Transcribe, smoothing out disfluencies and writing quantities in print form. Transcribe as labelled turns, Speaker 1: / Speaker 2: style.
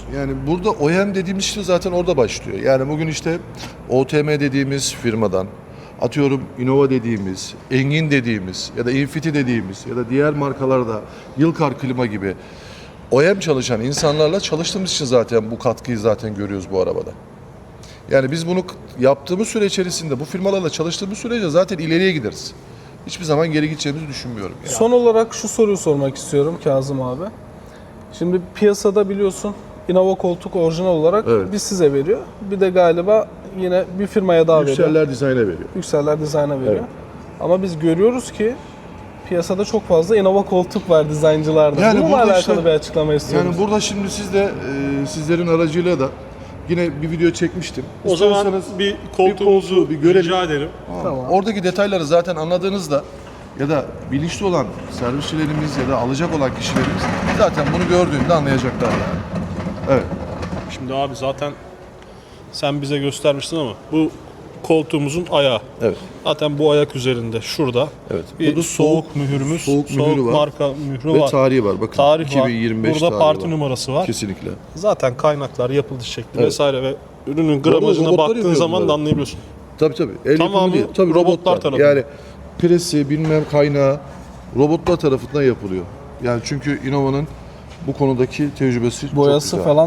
Speaker 1: Yani burada OEM dediğimiz şey zaten orada başlıyor. Yani bugün işte OTM dediğimiz firmadan, atıyorum Innova dediğimiz, Engin dediğimiz ya da Infiti dediğimiz ya da diğer markalarda Yılkar Klima gibi OEM çalışan insanlarla çalıştığımız için zaten bu katkıyı zaten görüyoruz bu arabada. Yani biz bunu yaptığımız süre içerisinde bu firmalarla çalıştığımız sürece zaten ileriye gideriz. Hiçbir zaman geri gideceğimizi düşünmüyorum. Yani.
Speaker 2: Son olarak şu soruyu sormak istiyorum Kazım abi. Şimdi piyasada biliyorsun Innova koltuk orijinal olarak
Speaker 1: Evet.
Speaker 2: bir size veriyor. Bir de galiba yine bir firmaya daha veriyor.
Speaker 1: Yükseller Design'a veriyor.
Speaker 2: Yükseller Design'a veriyor.
Speaker 1: Evet.
Speaker 2: Ama biz görüyoruz ki piyasada çok fazla Innova koltuk var dizayncılarda.
Speaker 1: Yani
Speaker 2: Bununla
Speaker 1: burada
Speaker 2: alakalı
Speaker 1: işte-
Speaker 2: bir açıklama istiyoruz.
Speaker 1: Yani burada şimdi siz de sizlerin aracıyla da yine bir video çekmiştim.
Speaker 3: O zaman
Speaker 1: İsterseniz
Speaker 3: bir koltuğumuzu
Speaker 1: koltuğu bir görelim.
Speaker 3: rica ederim.
Speaker 2: Tamam.
Speaker 1: Oradaki detayları zaten anladığınızda ya da bilinçli olan servisçilerimiz ya da alacak olan kişilerimiz zaten bunu gördüğünde anlayacaklar yani. Evet.
Speaker 3: Şimdi abi zaten sen bize göstermiştin ama bu koltuğumuzun ayağı.
Speaker 1: Evet.
Speaker 3: Zaten bu ayak üzerinde şurada
Speaker 1: Evet.
Speaker 3: bir
Speaker 1: Burada
Speaker 3: soğuk mühürümüz,
Speaker 1: soğuk mühürü var.
Speaker 3: marka mührü
Speaker 1: Ve
Speaker 3: var.
Speaker 1: tarihi var. Bakın
Speaker 3: Tarih var.
Speaker 1: 2025
Speaker 3: Burada
Speaker 1: tarihi
Speaker 3: parti
Speaker 1: var.
Speaker 3: numarası var.
Speaker 1: Kesinlikle.
Speaker 3: Zaten kaynaklar, yapılış şekli
Speaker 1: Evet.
Speaker 3: vesaire ve ürünün
Speaker 1: Bu arada
Speaker 3: gramajına
Speaker 1: robotlar
Speaker 3: baktığın
Speaker 1: yapıyor
Speaker 3: zaman
Speaker 1: bunları.
Speaker 3: da anlayabiliyorsun.
Speaker 1: Tabii. El
Speaker 3: Tamamı
Speaker 1: yapımı değil. Tabii
Speaker 3: robotlar
Speaker 1: robotlar.
Speaker 3: tarafından.
Speaker 1: Yani presi, bilmem kaynağı robotlar tarafından yapılıyor. Yani çünkü Innova'nın bu konudaki tecrübesi çok
Speaker 2: Boyası
Speaker 1: güzel.
Speaker 2: falan